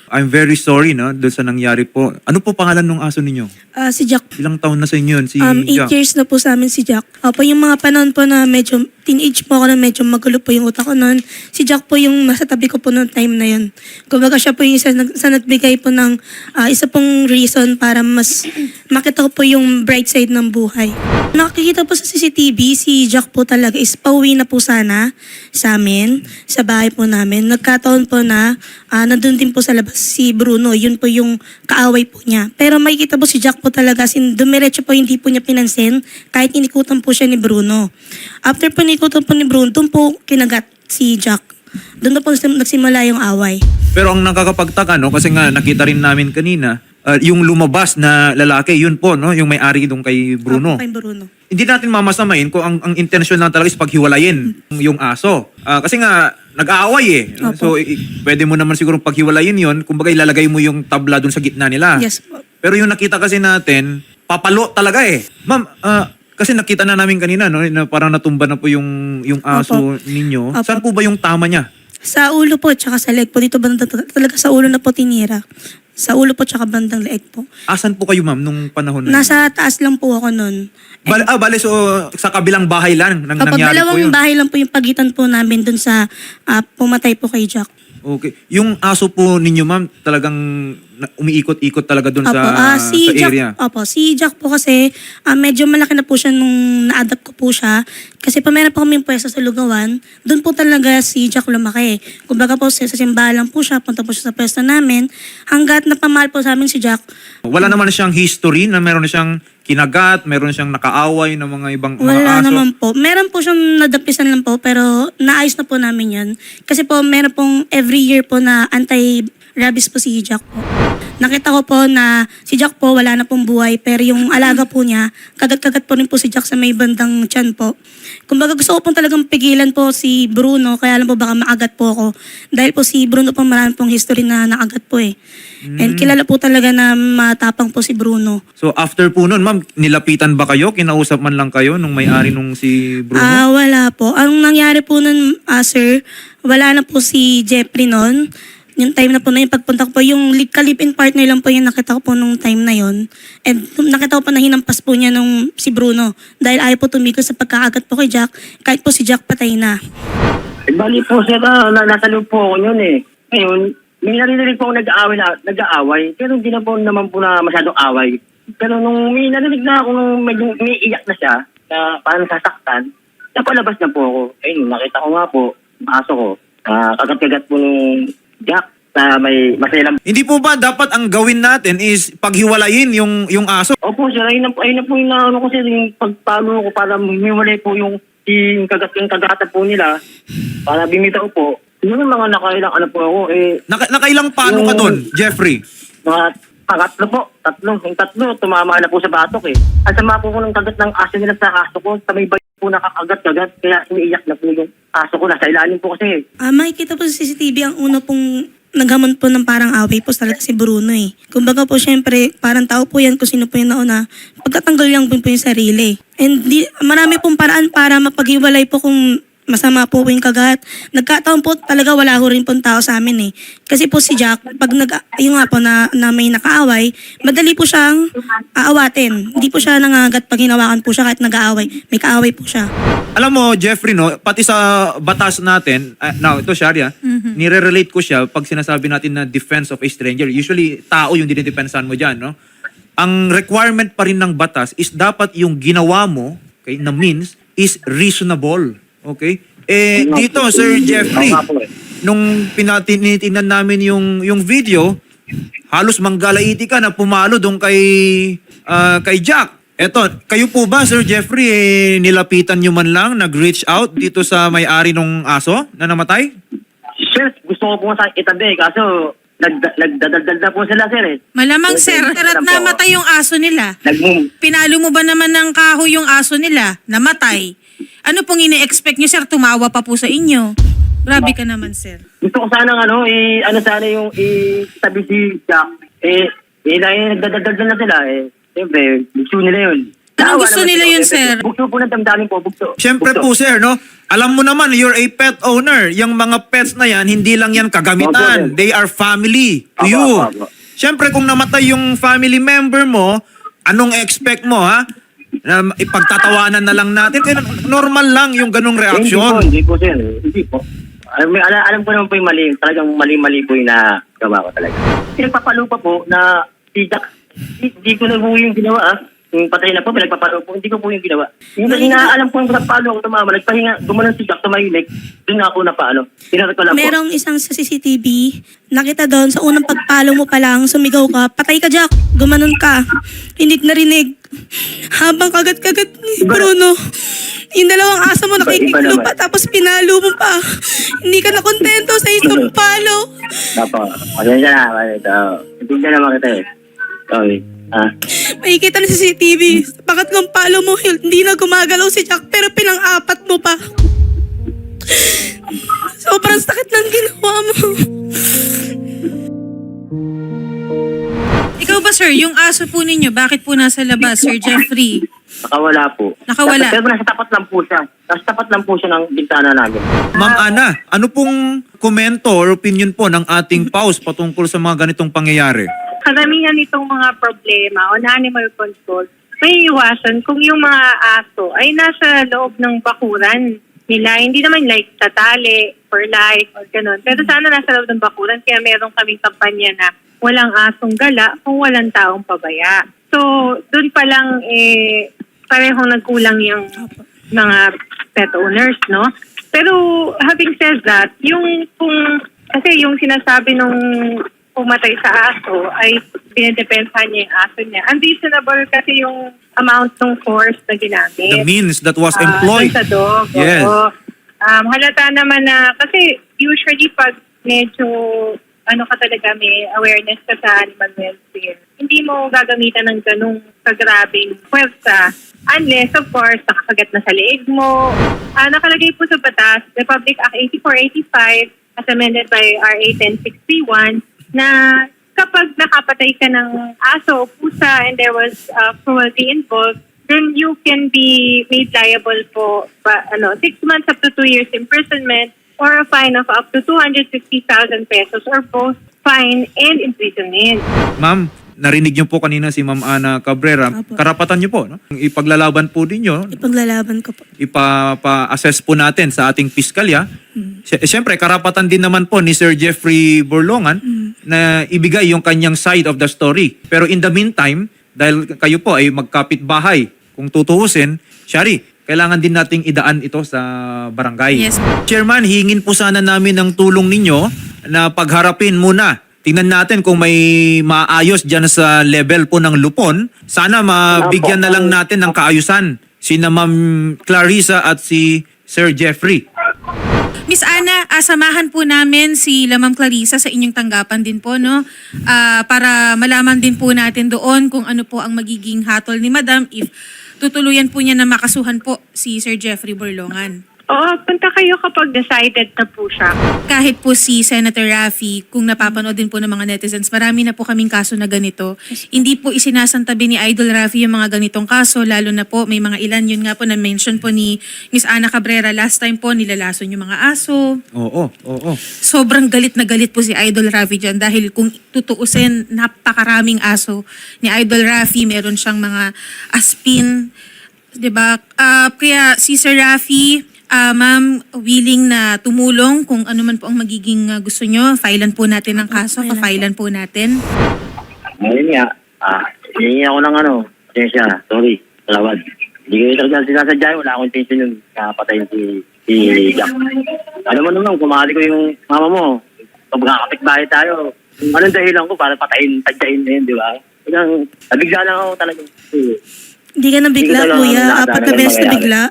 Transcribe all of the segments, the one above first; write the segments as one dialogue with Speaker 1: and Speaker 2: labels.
Speaker 1: I'm very sorry no doon sa nangyari po. Ano po pangalan ng aso ninyo?
Speaker 2: Si Jack.
Speaker 1: Ilang taon na sa inyo yun? Si
Speaker 2: 8
Speaker 1: Jack?
Speaker 2: years na po sa amin si Jack. Opo, yung mga panahon po na medyo teenage po ako na medyo magulo po yung utak ko noon. Si Jack po yung nasa tabi ko po noong time na yun. Kumbaga siya po yung isa sa nagbigay po ng isa pong reason para mas makita ko po yung bright side ng buhay. Nakikita po sa CCTV, si Jack po talaga is pauwi na po sana sa amin, sa bahay po namin. Nagkataon po na nandun din po sa labas si Bruno. Yun po yung kaaway po niya. Pero makikita po si Jack po talaga, dumiretso po hindi po niya pinansin kahit inikutan po siya ni Bruno. After po inikutan po ni Bruno, doon po kinagat si Jack. Doon na po nagsimula yung away.
Speaker 1: Pero ang nakakapagtaka no kasi nga nakita rin namin kanina yung lumabas na lalaki yun po no yung may-ari doon kay Bruno.
Speaker 2: Kay Bruno.
Speaker 1: Hindi natin mamasamain kung ang intensyon lang talaga is paghiwalayin yung aso. Kasi nga nag-aaway eh.
Speaker 2: Opo.
Speaker 1: So pwede mo naman siguro paghiwalayin yun, kumbaga ilalagay mo yung tabla doon sa gitna nila.
Speaker 2: Yes po.
Speaker 1: Pero yung nakita kasi natin, papalo talaga eh. Ma'am, kasi nakita na namin kanina no na parang natumba na po yung aso ninyo.
Speaker 2: Opo.
Speaker 1: Saan po ba yung tama niya?
Speaker 2: Sa ulo po, tsaka sa leg po. Dito banda talaga sa ulo na po tinira. Sa ulo po, tsaka bandang leeg po.
Speaker 1: Asan po kayo ma'am nung panahon na yun?
Speaker 2: Nasa taas lang po ako nun.
Speaker 1: Bale, so sa kabilang bahay lang nang
Speaker 2: Kapag
Speaker 1: nangyari po
Speaker 2: dalawang
Speaker 1: yun?
Speaker 2: bahay lang po yung pagitan po namin dun sa pumatay po kay Jack.
Speaker 1: Okay. Yung aso po ninyo ma'am, talagang umiikot-ikot talaga doon sa area?
Speaker 2: Opo, si Jack po kasi medyo malaki na po siya nung na-adapt ko po siya. Kasi pa meron po kaming pwesto sa Lugawan, doon po talaga si Jack lumaki. Kumbaga po sa simbahan lang po siya, punta po siya sa pwesto namin. Hanggat napamahal po sa amin si Jack.
Speaker 1: Wala naman siyang history na meron na siyang kinagat, meron siyang nakaaway ng mga ibang mga
Speaker 2: Wala
Speaker 1: aso?
Speaker 2: naman po. Meron po siyang nadapisan lang po, pero naayos na po namin yan. Kasi po meron pong every year po na anti-rabies po si Jack po. Nakita ko po na si Jack po wala na pong buhay, pero yung alaga po niya, kagat-kagat po rin po si Jack sa may bandang tiyan po. Kumbaga gusto ko pong talagang pigilan po si Bruno, kaya alam po baka maagat po ako. Dahil po si Bruno po marami pong history na nakagat po eh. And kilala po talaga na matapang po si Bruno.
Speaker 1: So after po nun, ma'am, nilapitan ba kayo? Kinausap man lang kayo nung may-ari nung si Bruno?
Speaker 2: Wala po. Ang nangyari po nun, sir, wala na po si Jeffrey nun. Yung time na po na yung pagpunta ko po, yung kalip-in partner lang po yung nakita ko po nung time na yon. And nakita ko po na hinampas po niya nung si Bruno. Dahil ayaw po tumigil sa pagkakagat po kay Jack, kahit po si Jack patay na.
Speaker 3: Bali po sir, nasa loob po ako yun eh. Ngayon, may narinig po ako nag-aaway, pero hindi na po naman po na masyadong away. Pero nung may narinig na ako nung medyo umiiyak na siya, na parang sasaktan, napalabas na po ako. Ayun, nakita ko nga po, aso ko, kagat-kagat po nung Jack na may maselang.
Speaker 1: Hindi po ba dapat ang gawin natin is paghiwalayin yung aso?
Speaker 3: Opo sir, ayun na po yung naano ko sir, yung pagpalo ko para humiwalay po yung kagata po nila, para bimitaw po. Yun yung mga nakailang ano po ako eh.
Speaker 1: Nakailang paano ka doon, Jeffrey?
Speaker 3: Mga tatlo po. Yung tatlo, tumama na po sa batok eh. At sama po ko ng kagat ng aso nila sa aso ko. Sa may bayo po nakakagat-kagat. Kaya umiiyak na po yung aso ko. Nasa ilalim po kasi.
Speaker 2: Makikita po sa CCTV ang una pong naghamon po ng parang away po talaga si Bruno eh. Kumbaga po syempre, parang tao po yan kung sino po yung nauna. Pagkatanggal lang po yung sarili. And marami pong paraan para mapaghiwalay po kung masama po yung kagat. Nagkataon po talaga wala ho rin pong tao sa amin eh. Kasi po si Jack, pag yung nga po na may nakaaway, madali po siyang aawatin. Hindi po siya nangagat pag hinawakan po siya kahit nag-aaway. May kaaway po siya.
Speaker 1: Alam mo, Jeffrey, no, pati sa batas natin, now, ito, Sharia, nire-relate ko siya pag sinasabi natin na defense of a stranger. Usually, tao yung dinidepensahan mo dyan, no? Ang requirement pa rin ng batas is dapat yung ginawa mo, okay, na means, is reasonable. Okay? Dito, Sir Jeffrey, nung tinitingnan namin yung video, halos manggalaiti ka na pumalo doon kay Jack. Eto, kayo po ba, Sir Jeffrey, nilapitan nyo man lang, nag-reach out dito sa may-ari ng aso na namatay?
Speaker 3: Sir, gusto ko po nga sa itabi. Kaso, nagdadaldal na po sila, sir eh.
Speaker 4: Malamang, sir, at namatay yung aso nila. Pinalo mo ba naman ng kahoy yung aso nila? Namatay. Ano pong ini-expect nyo, sir? Tumawa pa po sa inyo. Grabe ka naman, sir.
Speaker 3: Gusto ko sana sana yung itabi si Jack. Nagdadaldal na sila eh. Siyempre, gusto nila yun.
Speaker 4: Anong gusto nila yun, sir?
Speaker 3: Bugso po ng damdamin po, bugso.
Speaker 1: Siyempre
Speaker 3: Bugso.
Speaker 1: po sir, no? Alam mo naman, you're a pet owner. Yung mga pets na yan, hindi lang yan kagamitan.
Speaker 3: Opo, sir.
Speaker 1: They are family to
Speaker 3: Opo,
Speaker 1: you.
Speaker 3: opo.
Speaker 1: Siyempre kung namatay yung family member mo, anong expect mo ha? Na ipagtatawanan na lang natin. Kaya normal lang yung ganong reaksyon.
Speaker 3: Hindi po, sir. Hindi po. Alam ko naman po yung mali. Talagang mali-mali po yung nagawa ko talaga. Pinagpapalo pa po na si Jack, hindi ko na po yung ginawa Yung patay na po, pinagpapalo po. Hindi ko po yung ginawa. Yung kasi alam ko yung pagpalo ako tumama. Nagpahinga, gumanon si Jack, tumahimik. Doon nga ako napaano. Pinarot ko lang po.
Speaker 2: Merong isang sa CCTV, nakita doon, sa unang pagpalo mo pa lang, sumigaw ka, patay ka Jack, gumanon ka. Hindi narinig. Habang kagat-kagat ni Bruno, yung dalawang aso mo nakikiglo pa, tapos pinalo mo pa. Hindi ka na kontento sa isang palo.
Speaker 3: Dapo. Pasensya na. Hindi na naman kita eh. Sorry.
Speaker 2: Makikita na sa CCTV, sa pangatlong palo mo, hindi na gumagalaw si Jack, pero pinang-apat mo pa. Sobrang sakit ng ginawa mo.
Speaker 4: Ikaw ba, sir, yung aso po ninyo, bakit po nasa labas, Sir Jeffrey?
Speaker 3: Nakawala po.
Speaker 4: Nakawala.
Speaker 3: Pero nasa tapat lang po siya. Nasa tapat lang po siya ng bintana namin.
Speaker 1: Ma'am Ana, ano pong komento or opinion po ng ating PAWS patungkol sa mga ganitong pangyayari?
Speaker 5: Karamihan nitong mga problema on animal control, may iwasan kung yung mga aso ay nasa loob ng bakuran nila. Hindi naman like tatali for life or ganun. Pero sana nasa loob ng bakuran. Kaya meron kaming kampanya na walang asong gala kung walang taong pabaya. So, dun pa lang parehong nagkulang yung mga pet owners, no? Pero having said that, kasi yung sinasabi nung pumatay sa aso ay pinidepensahan niya yung aso niya. Unreasonable kasi yung amount ng force na ginamit.
Speaker 1: The means that was employed.
Speaker 5: Sa dog.
Speaker 1: Yes.
Speaker 5: Oo. Halata naman na, kasi usually pag medyo ka talaga, may awareness ka sa animal welfare, hindi mo gagamitan ng ganung kagrabing pwersa unless, of course, nakakagat na sa leeg mo. Nakalagay po sa batas, Republic Act 8485 as amended by RA 1061, na kapag nakapatay ka ng aso o pusa and there was cruelty involved, then you can be made liable po 6 months up to 2 years imprisonment or a fine of up to 250,000 pesos or both fine and imprisonment.
Speaker 1: Ma'am, narinig niyo po kanina si Ma'am Ana Cabrera.
Speaker 2: Apo.
Speaker 1: Karapatan niyo po, no? Ipaglalaban po ninyo,
Speaker 2: Ipaglalaban ko po.
Speaker 1: ipapa-assess po natin sa ating piskalya. Siyempre, karapatan din naman po ni Sir Jeffrey Borlongan na ibigay yung kanyang side of the story. Pero in the meantime, dahil kayo po ay magkapit-bahay, kung tutuusin, Shari, kailangan din nating idaan ito sa barangay.
Speaker 4: Yes.
Speaker 1: Chairman, hingin po sana namin ng tulong ninyo na pagharapin muna. Tingnan natin kung may maayos dyan sa level po ng lupon. Sana mabigyan na lang natin ng kaayusan sina Ma'am Clarissa at si Sir Jeffrey.
Speaker 4: Miss Ana, samahan po namin si Ma'am Clarissa sa inyong tanggapan din po, no? Para malaman din po natin doon kung ano po ang magiging hatol ni Madam if tutuluyan po niya na makasuhan po si Sir Jeffrey Borlongan.
Speaker 5: Oo, punta kayo kapag decided na po siya.
Speaker 4: Kahit po si Senator Raffy, kung napapanood din po ng mga netizens, marami na po kaming kaso na ganito. Hindi po isinasantabi ni Idol Raffy yung mga ganitong kaso, lalo na po may mga ilan, yun nga po na-mention po ni Miss Ana Cabrera last time po, nilalason yung mga aso.
Speaker 1: Oo.
Speaker 4: Sobrang galit na galit po si Idol Raffy dyan dahil kung tutuusin, napakaraming aso ni Idol Raffy. Meron siyang mga aspin, diba? Kaya si Sir Raffy, ma'am, willing na tumulong kung ano man po ang magiging gusto nyo. Filean po natin ang kaso, pa-filean po natin.
Speaker 3: Ngayon nga, hihingi ako ng pasensya, sorry, talawad. Hindi ko talaga sinasadya, wala akong intention yung patayin si Jack. Alam mo naman, kumahali ko yung mama mo, pag makakapit-bahay tayo, anong dahilan ko para patayin, tadyain na yun, di ba? Kaya, nabigla lang ako talaga.
Speaker 2: Hindi ka nabigla, kuya. Apat na beses na bigla.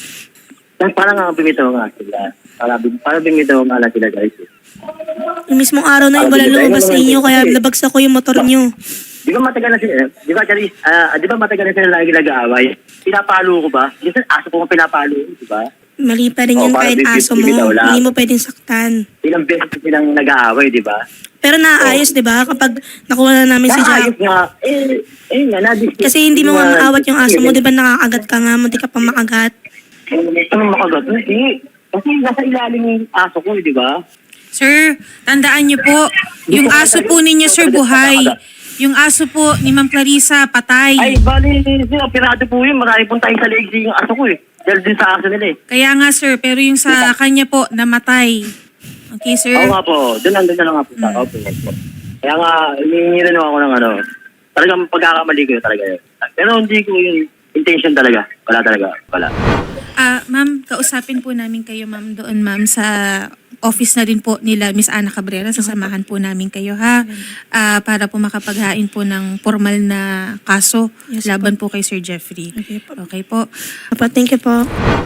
Speaker 3: Parang nga bimitaw nga sila. Parang bimitaw nga lang sila, guys.
Speaker 2: Yung mismong araw na yung wala lumabas sa inyo, kaya nabagsak ko yung motor nyo.
Speaker 3: Di ba matagal na sila, di ba matagal na sila lagi nag-aaway? Pinapalo ko ba? Minsan aso ko pinapalo, di ba?
Speaker 2: Mali pa rin yun
Speaker 3: Oo,
Speaker 2: kahit
Speaker 3: parang
Speaker 2: aso mo.
Speaker 3: bibitaw lang.
Speaker 2: Hindi mo pwedeng saktan.
Speaker 3: Ilang beses silang nag-aaway, di ba?
Speaker 2: Pero naayos, di ba? Kapag nakuha na namin si Jack.
Speaker 3: Naayos nga. Nga, na-discuss.
Speaker 2: Kasi hindi mo nga maawat yung aso mo, di ba nakakagat ka nga, munti ka pang makagat.
Speaker 3: Anong makagat? Hindi. Kasi nasa ilalim yung aso ko, di ba?
Speaker 4: Sir, tandaan niyo po, yung aso po ninyo, sir, buhay. Yung aso po ni Ma'am Clarissa, patay.
Speaker 3: Ay, bali, pirado po yun. Marami pong tayo sa legs yung aso ko eh. Dahil din sa aso nila eh.
Speaker 4: Kaya nga, sir, pero yung sa kanya po, namatay. Okay, sir?
Speaker 3: Oo nga po. Doon na nga po. Opo. Kaya nga, hiningi rin ako ng ano. Talagang pagkakamali ko yun talaga yun. Pero hindi ko yung intention talaga. Wala talaga. Wala.
Speaker 4: Ma'am, kausapin po namin kayo, ma'am, doon, ma'am, sa office na rin po nila Miss Ana Cabrera. Sasamahan po namin kayo, ha? Para po makapaghain po ng formal na kaso
Speaker 2: Yes,
Speaker 4: laban po kay Sir Jeffrey.
Speaker 2: Okay po.
Speaker 4: Okay po.
Speaker 2: Thank you po.